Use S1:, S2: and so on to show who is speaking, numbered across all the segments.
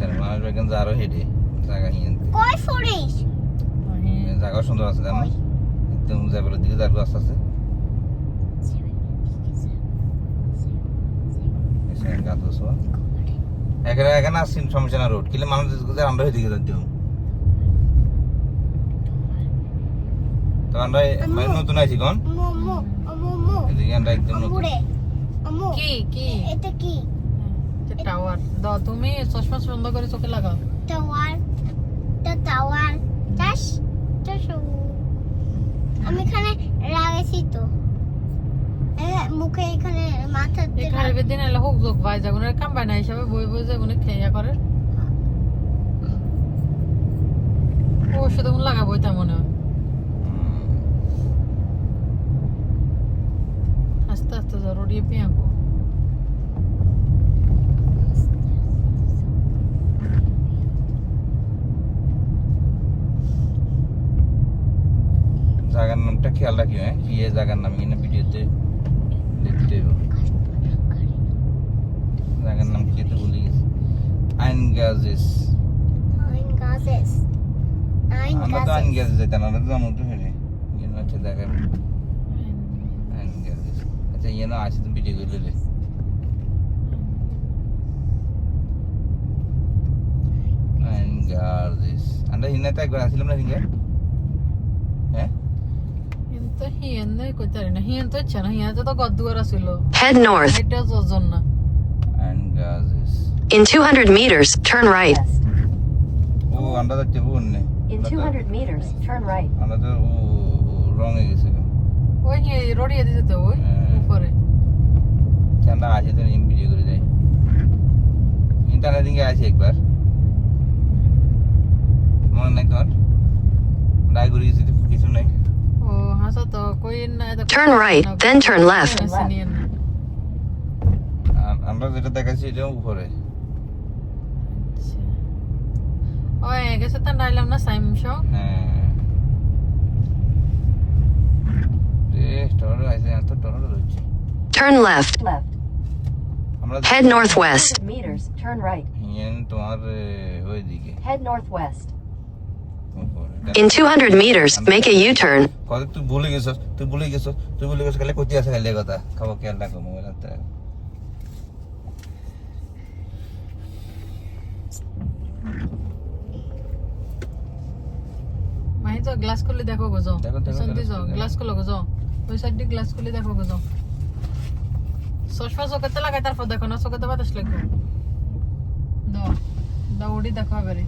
S1: দেখছেন মানুষ বেগেন যারও হেডে জায়গা হিয়েন
S2: কই ফরিস
S1: জায়গা সুন্দর আছে জানো একদম যাবেলের দিকে যাবো আস্তে আস্তে এসে গাছ বসবো এখানে আসছেন সমস্যা না রোড কিলে মানুষ আমরা এদিকে যাচ্ছি তো আমরা মানে নতুন আছি কোন
S2: মোমো মোমো
S1: এদিকে আমরা একদম নতুন
S2: মুড়ে আমু
S3: কি কি
S2: এটা কি
S3: টাওয়ার দাও তুমি চশমা বন্ধ করে চোখে লাগাও
S2: টাওয়ার চাষ আমি এখানে লাগাইছি তো মুখে এখানে মাথা দিয়ে
S3: এখানে বেদিন এলা হোক যোগ ভাই যাগুনের কাম বানা হিসাবে বই বই যাগুনে খেয়া করে ও শুধু লাগাবো তা মনে হয় আস্তে আস্তে জরুরি পিয়াকো
S1: জায়গার নামটা খেয়াল রাখি হ্যাঁ কি এই জায়গার নাম কিনা ভিডিওতে দেখতে হবে জায়গার নাম কি তো ভুলে গেছি আইনগাজেস আমরা তো আইনগাজেস যেতাম আমরা তো জানো তো হেরে ইয়ে হচ্ছে জায়গার আইনগাজেস আচ্ছা ইয়ে না আছে তো ভিডিও করে লে আইনগাজেস আমরা হিনাতে একবার আসছিলাম না হিঙ্গে হ্যাঁ
S3: কিন্তু হিয়েন নাই কইতারি না হিয়েন তো ইচ্ছা না হিয়েন তো গদ্দুয়ার আছিল
S4: Head north.
S3: এটা যোজন না
S1: আইনগাজেস
S4: In 200 meters, turn right.
S1: ও আমরা যাচ্ছি বন্নে
S5: In 200 meters, turn right.
S1: আমরা তো রং হয়ে গেছে
S3: ওই রড়িয়ে দিতে তো ওই উপরে
S1: আমরা আসি তো ভিডিও করে যাই ইন্টারনেট দিকে আসি একবার মনে নাই তোমার রায় ঘুরে গেছি কিছু নাই
S3: ও হাসা তো কই না
S4: Turn right, then turn left.
S1: আমরা যেটা দেখাচ্ছি এটা উপরে
S3: ওই গেছে তা নাইলাম না সাইমশো
S1: হ্যাঁ রে টরো আছে এত টরো রয়েছে
S4: Turn left.
S5: Left.
S1: আমরা
S4: Head northwest.
S5: 200 meters, turn right.
S1: হিয়েন তোমার ওই দিকে
S5: Head northwest.
S1: উপরে
S4: In 200 meters, make a U-turn.
S1: কত তুই ভুলে গেছস খালি কইতে আছে খালি কথা খাবো খেয়াল রাখো মোবাইল হাতে
S3: মাই তো গ্লাস খুলে দেখো গো যাও
S1: দেখো,
S3: পেছন দিয়ে যাও
S1: দেখো।
S3: গ্লাস খুলে গো যাও ওই সাইড দিয়ে গ্লাস খুলে দেখো গো যাও চশমা চোখেতে লাগাই তারপর দেখো না চোখেতে বাতাস লাগবে দাও দাও উড়ি দেখো এবারে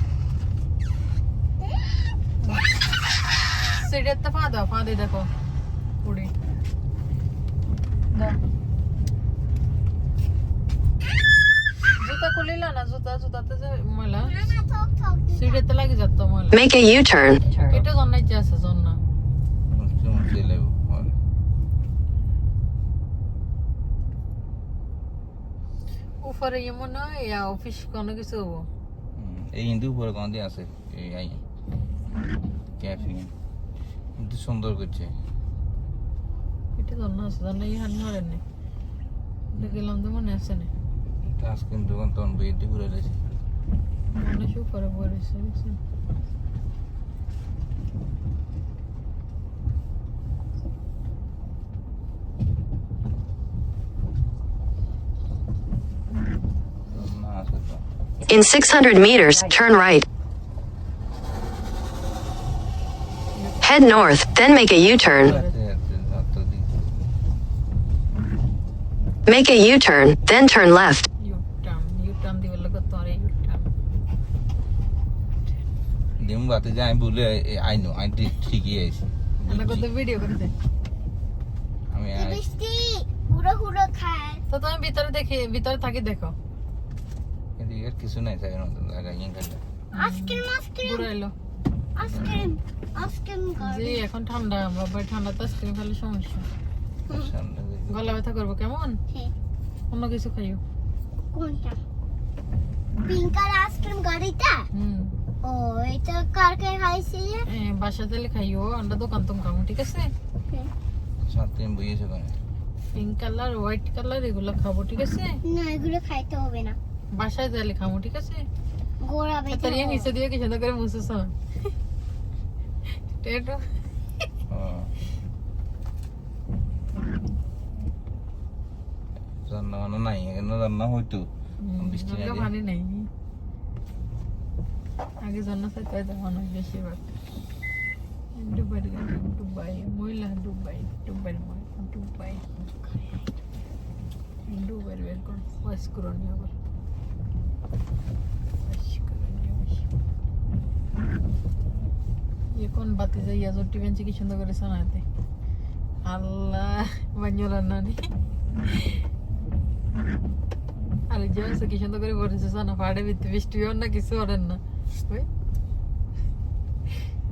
S3: সিঁড়িতে পা দাও পা দিয়ে দেখো উড়ি দাও জুতা খুলিলা না জুতাতে যে ময়লা সিঁড়িতে লাগে যাত ময়লা
S4: Make a U-turn.
S3: এটা জন্নাইতে আছে জন্না
S1: মুছতে লেবো
S3: উপরে এমন ইয়া অফিস কোনো কিছু হবো
S1: এই হিন্দু উপরে কোন দিয়ে আছে এই আই ক্যাফে কিন্তু সুন্দর করছে
S3: এটা জন্না আছে জন্না এই হানি হরেন নে দেখলাম তো মনে আছে না
S1: আজকে দোকান তখন বইতে ঘুরে রয়েছে
S3: মনে শু করে পড়েছে বুঝছেন
S1: না আছে তো
S4: In 600 meters, turn right. Head north, then make a U-turn. Make a U-turn, then turn left.
S3: U turn দিবে লাগে তোরে ইউটার্ন
S1: দিম বাতে যে আমি বলে আইনো আই ঠিকই আছে
S3: আমরা কত ভিডিও করে দে
S1: আমি
S2: বৃষ্টি হুড়ো হুড়ো খায়
S3: তো তুমি ভিতরে থাকি দেখো
S1: এদিকে আর কিছু নাই জায়গা নতুন জায়গা ইয়ে খেলে
S2: আইসক্রিম
S3: ঘুরে এলো
S2: আইসক্রিম
S3: জি এখন ঠান্ডা আমরা ভাই ঠান্ডাতে আইসক্রিম খেলে সমস্যা
S1: সামনে
S3: গলা ব্যথা করবো কেমন
S2: হ্যাঁ
S3: অন্য কিছু খাইও
S2: কোনটা পিঙ্ক কালার আইসক্রিম গাড়িটা ও এটা কারকে খাইছি
S3: বাসা তেলে খাইও আমরা দোকান তো খাবো ঠিক আছে
S1: সাথে বইয়েছে কোনে
S3: পিঙ্ক কালার হোয়াইট কালার এগুলো খাবো ঠিক আছে
S2: না এগুলো খাইতে হবে না
S3: বাসায় যাইলে খাবো ঠিক আছে
S2: গোড়া বেঁধে
S3: তোর ইয়ে নিচে দিয়ে কি সুন্দর করে মুছছ টেটো
S1: রান্না বান্না নাই এখানে রান্না হইতো বৃষ্টি না দিয়ে।
S3: পানি নেই আগে জন্য সাথে মানুষ বেশিরভাগ ডুবাই ডুবাই মহিলা ডুবাই ডুবাই ডুবাই ডুবাই বের কর ওয়াশ করো নি আবার এখন বাতি যাইয়া জটি বেঞ্চি কি সুন্দর করে শোনাতে আল্লাহ বাঞ্জো রান্না নি আরে যে কি সুন্দর করে বলেছে শোনা পাড়ে বৃষ্টি না কিছু ওরেন না ওই